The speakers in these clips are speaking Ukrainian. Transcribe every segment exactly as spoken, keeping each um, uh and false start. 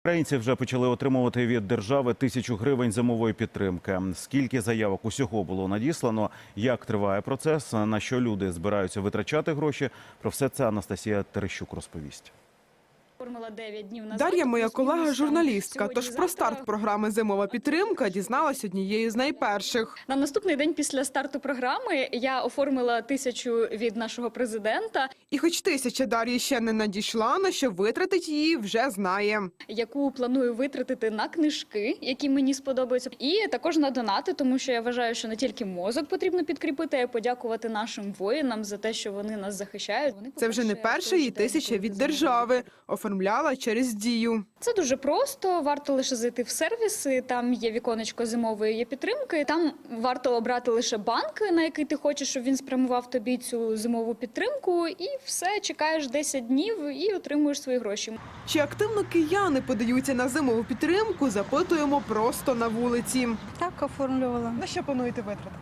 Українці вже почали отримувати від держави тисячу гривень зимової підтримки. Скільки заявок усього було надіслано, як триває процес, на що люди збираються витрачати гроші – про все це Анастасія Терещук розповість. Дар'я – моя колега-журналістка, тож про старт програми «Зимова підтримка» дізналась однією з найперших. На наступний день після старту програми я оформила тисячу від нашого президента. І хоч тисяча Дар'ї ще не надійшла, на що витратить її вже знає. Яку планую витратити на книжки, які мені сподобаються. І також на донати, тому що я вважаю, що не тільки мозок потрібно підкріпити, а й подякувати нашим воїнам за те, що вони нас захищають. Вони, Це вже не перша її тисяча від держави. Оформляла через Дію. Це дуже просто, варто лише зайти в сервіси, там є віконечко зимової підтримки, там варто обрати лише банк, на який ти хочеш, щоб він спрямував тобі цю зимову підтримку, і все, чекаєш десять днів і отримуєш свої гроші. Чи активно кияни подаються на зимову підтримку, запитуємо просто на вулиці. Так, оформлювала. На що плануєте витратити?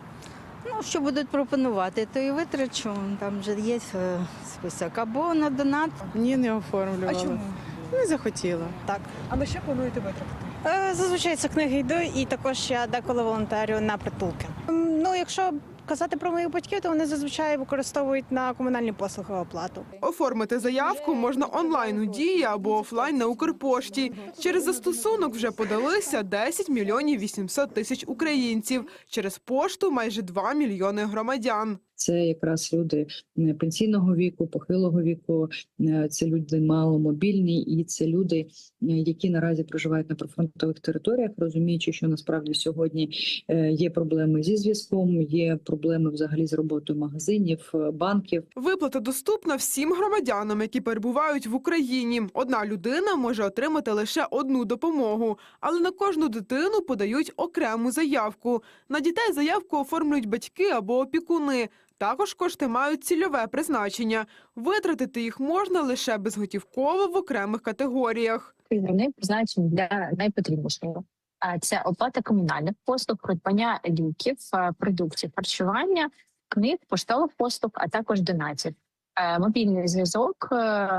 Ну, що будуть пропонувати, то і витрачу. Там вже є е, список. Або на донат. Ні, не оформлювала. А чому? Не захотіла. Так. А на що плануєте витратити? Е, Зазвичай це книги йду, і також я деколи волонтерю на притулки. М, Ну, якщо казати про моїх батьків, то вони зазвичай використовують на комунальні послуги оплату. Оформити заявку можна онлайн у Дії або офлайн на Укрпошті. Через застосунок вже подалися десять мільйонів вісімсот тисяч українців. Через пошту майже два мільйони громадян. Це якраз люди пенсійного віку, похилого віку, це люди маломобільні і це люди, які наразі проживають на прифронтових територіях, розуміючи, що насправді сьогодні є проблеми зі зв'язком, є проблеми взагалі з роботою магазинів, банків. Виплата доступна всім громадянам, які перебувають в Україні. Одна людина може отримати лише одну допомогу, але на кожну дитину подають окрему заявку. На дітей заявку оформлюють батьки або опікуни. Також кошти мають цільове призначення. Витратити їх можна лише безготівково в окремих категоріях. Вони призначені для найпотрібнішого. Це оплата комунальних послуг, придбання ліків, продуктів харчування, книг, поштових послуг, а також донатів. Мобільний зв'язок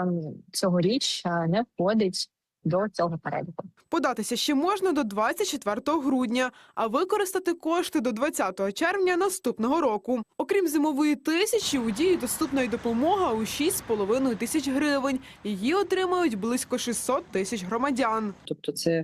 цьогоріч не входить до цього переліку. Податися ще можна до двадцять четвертого грудня, а використати кошти до двадцятого червня наступного року. Окрім зимової тисячі, у Дії доступна й допомога у шість з половиною тисяч гривень. Її отримають близько шістсот тисяч громадян. Тобто це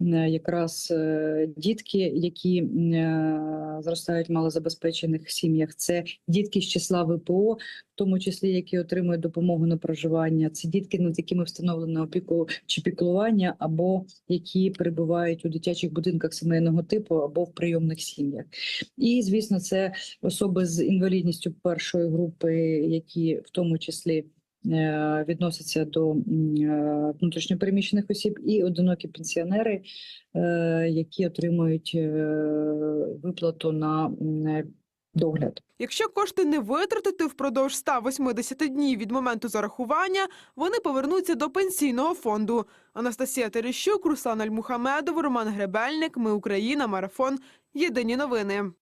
якраз дітки, які зростають в малозабезпечених сім'ях, це дітки з числа ВПО, в тому числі, які отримують допомогу на проживання, це дітки, над якими встановлено опіку чи піклування, або які перебувають у дитячих будинках сімейного типу, або в прийомних сім'ях. І, звісно, це особи з інвалідністю першої групи, які в тому числі відносяться до внутрішньопереміщених осіб, і одинокі пенсіонери, які отримують виплату на догляд. Якщо кошти не витратити впродовж ста восьмидесяти днів від моменту зарахування, вони повернуться до пенсійного фонду. Анастасія Терещук, Руслан Альмухамедов, Роман Гребельник. Ми Україна. Марафон. Єдині новини.